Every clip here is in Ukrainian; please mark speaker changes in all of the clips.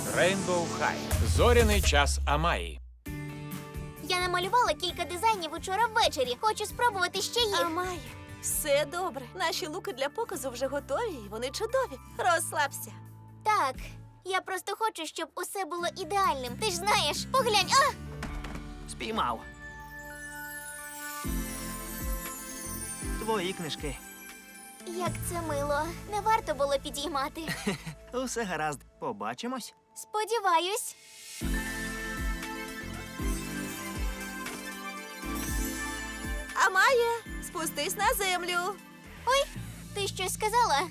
Speaker 1: Рейнбоу Хай. Зоряний час Амаї.
Speaker 2: Я намалювала кілька дизайнів учора ввечері. Хочу спробувати ще їх.
Speaker 3: Амай, все добре. Наші луки для показу вже готові, і вони чудові. Розслабся.
Speaker 2: Так, я просто хочу, щоб усе було ідеальним. Ти ж знаєш, поглянь, а!
Speaker 4: Спіймав. Твої книжки.
Speaker 2: Як це мило. Не варто було підіймати.
Speaker 4: Усе гаразд. Побачимось.
Speaker 2: Сподіваюсь.
Speaker 3: Амає, спустись на землю.
Speaker 2: Ой, ти щось сказала?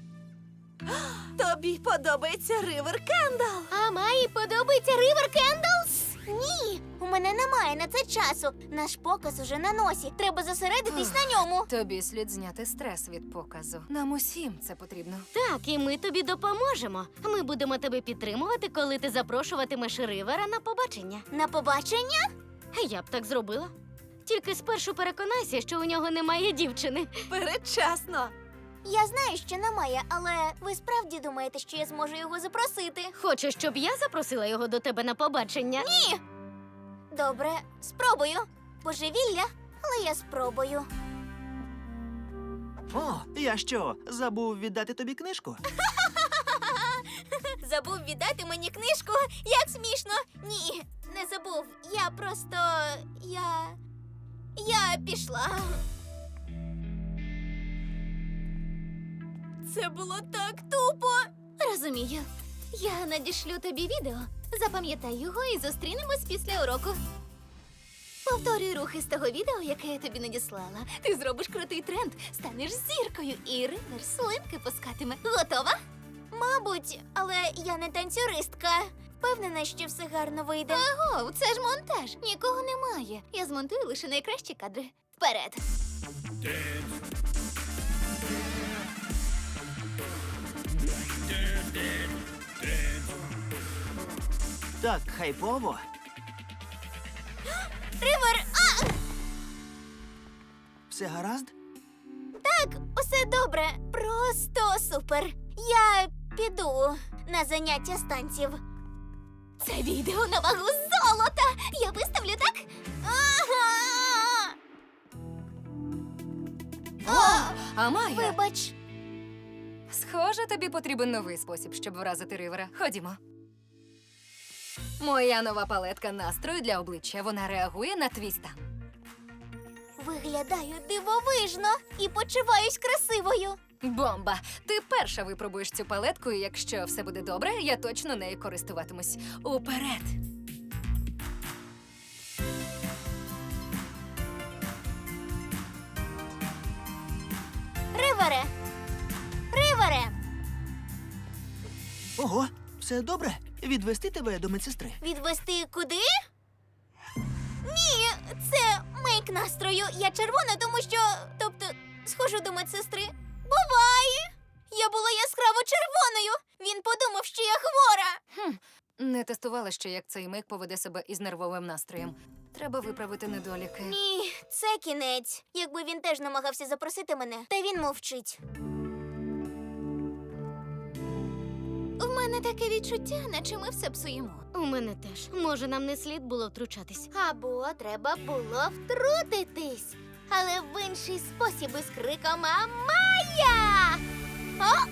Speaker 3: Тобі подобається Ривер Кендал.
Speaker 2: А Майі подобається Ривер Кендлс? Ні, у мене немає на це часу. Наш показ уже на носі. Треба зосередитись на ньому.
Speaker 5: Тобі слід зняти стрес від показу. Нам усім це потрібно.
Speaker 6: Так, і ми тобі допоможемо. Ми будемо тебе підтримувати, коли ти запрошуватимеш Ривера на побачення.
Speaker 2: На побачення?
Speaker 6: Я б так зробила. Тільки спершу переконайся, що у нього немає дівчини.
Speaker 3: Передчасно.
Speaker 2: Я знаю, що немає, але ви справді думаєте, що я зможу його запросити?
Speaker 6: Хочеш, щоб я запросила його до тебе на побачення?
Speaker 2: Ні! Добре, спробую. Божевілля, але я спробую.
Speaker 4: О, я що, забув віддати тобі книжку?
Speaker 2: Забув віддати мені книжку? Як смішно! Ні, не забув. Я просто. Я пішла. Це було так тупо. Розумію. Я надішлю тобі відео. Запам'ятай його і зустрінемось після уроку. Повторюй рухи з того відео, яке я тобі надіслала. Ти зробиш крутий тренд, станеш зіркою і Ривер слинки пускатиме. Готова? Мабуть, але я не танцюристка. Впевнена, що все гарно вийде. Аго, це ж монтаж. Нікого немає. Я змонтую лише найкращі кадри. Вперед!
Speaker 4: Так, хайпово.
Speaker 2: Ривер! А!
Speaker 4: Все гаразд?
Speaker 2: Так, усе добре. Просто супер. Я піду на заняття з танців. Це відео на вагу золота. Я виставлю, так? Ага! О,
Speaker 5: Амая,
Speaker 2: вибач.
Speaker 5: схоже, тобі потрібен новий спосіб, щоб вразити Ривера. Ходімо. Моя нова палетка настрою для обличчя. Вона реагує на твій стан.
Speaker 2: Виглядаю дивовижно і почуваюсь красивою.
Speaker 5: Бомба! Ти перша випробуєш цю палетку, і якщо все буде добре, я точно нею користуватимусь. Уперед!
Speaker 2: Ривере! Ривере!
Speaker 4: Ого, все добре? Відвести тебе до медсестри?
Speaker 2: Відвести куди? Ні, це мейк настрою. Я червона, тому що. Тобто, схожу до медсестри. Буває! Я була яскраво червоною. Він подумав, що я хвора.
Speaker 5: Не тестувала ще, як цей мик поведе себе із нервовим настроєм. Треба виправити недоліки.
Speaker 2: Ні, це кінець. Якби він теж намагався запросити мене, та він мовчить. У мене таке відчуття, наче ми все псуємо.
Speaker 6: У мене теж. Може, нам не слід було втручатись.
Speaker 2: Або треба було втрутитись. Але в інший спосіб із криком «Амая!» О!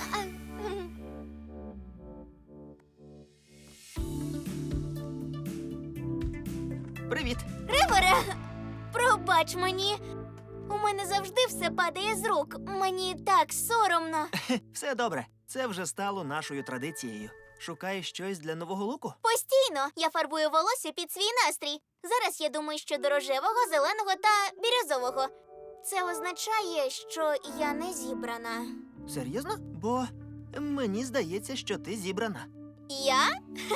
Speaker 4: Привіт!
Speaker 2: Ривере! Пробач мені. У мене завжди все падає з рук. Мені так соромно.
Speaker 4: Все добре. Це вже стало нашою традицією. Шукаєш щось для нового луку?
Speaker 2: Постійно я фарбую волосся під свій настрій. Зараз я думаю, що до рожевого, зеленого та бірюзового. Це означає, що я не зібрана.
Speaker 4: Серйозно? Бо мені здається, що ти зібрана.
Speaker 2: Я?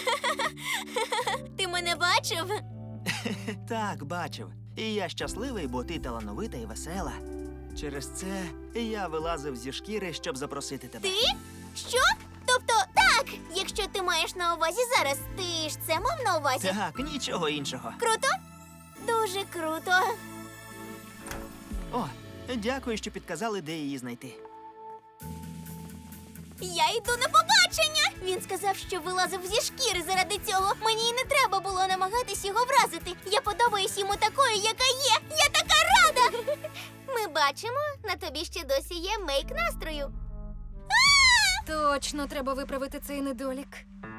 Speaker 2: Ти мене бачив?
Speaker 4: Так, бачив. І я щасливий, бо ти талановита і весела. Через це я вилазив зі шкіри, щоб запросити тебе.
Speaker 2: Ти? Що? Тобто, так, якщо ти маєш на увазі зараз, ти ж це мав на увазі?
Speaker 4: Так, нічого іншого.
Speaker 2: Круто? Дуже круто.
Speaker 4: О, дякую, що підказали, де її знайти.
Speaker 2: Я йду на побачення! побачення! Він сказав, що вилазив зі шкіри заради цього. Мені й не треба було намагатись його вразити. Я подобаюсь йому такою, яка є. Я така рада! Ми бачимо, на тобі ще досі є мейк настрою.
Speaker 5: Точно треба виправити цей недолік.